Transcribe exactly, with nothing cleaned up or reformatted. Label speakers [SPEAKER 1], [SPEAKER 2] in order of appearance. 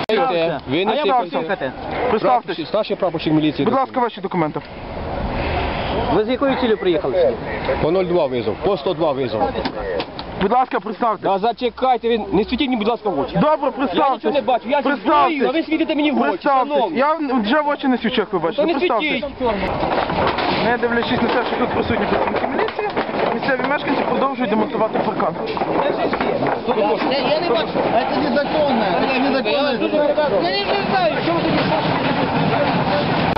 [SPEAKER 1] Представтеся.
[SPEAKER 2] Ви не
[SPEAKER 1] Представтеся. Представтеся.
[SPEAKER 2] Старший прапорщик міліції.
[SPEAKER 1] Будь ласка, ваші документи.
[SPEAKER 3] Ви з якою цілею приїхали сюди?
[SPEAKER 2] По нуль два визов, по сто два визов.
[SPEAKER 1] Будь ласка, представтеся.
[SPEAKER 2] Та зачекайте, ви не світіть мені, будь ласка, в очі.
[SPEAKER 1] Добре,
[SPEAKER 2] Я
[SPEAKER 1] представтеся.
[SPEAKER 2] нічого не бачу, я зі зброєю, а ви світите мені в очі,
[SPEAKER 1] Представтеся.
[SPEAKER 2] шановні.
[SPEAKER 1] Я вже в очі не свічу, як ви бачите.
[SPEAKER 2] То не
[SPEAKER 1] Представтеся.
[SPEAKER 2] світіть.
[SPEAKER 1] Не дивлячись на те, що тут присутні працівники міліції, місцеві мешканці продовжують демонтувати паркан.
[SPEAKER 3] Я не бачу. Це незаконно. Це незаконно. Я не знаю, що ви тут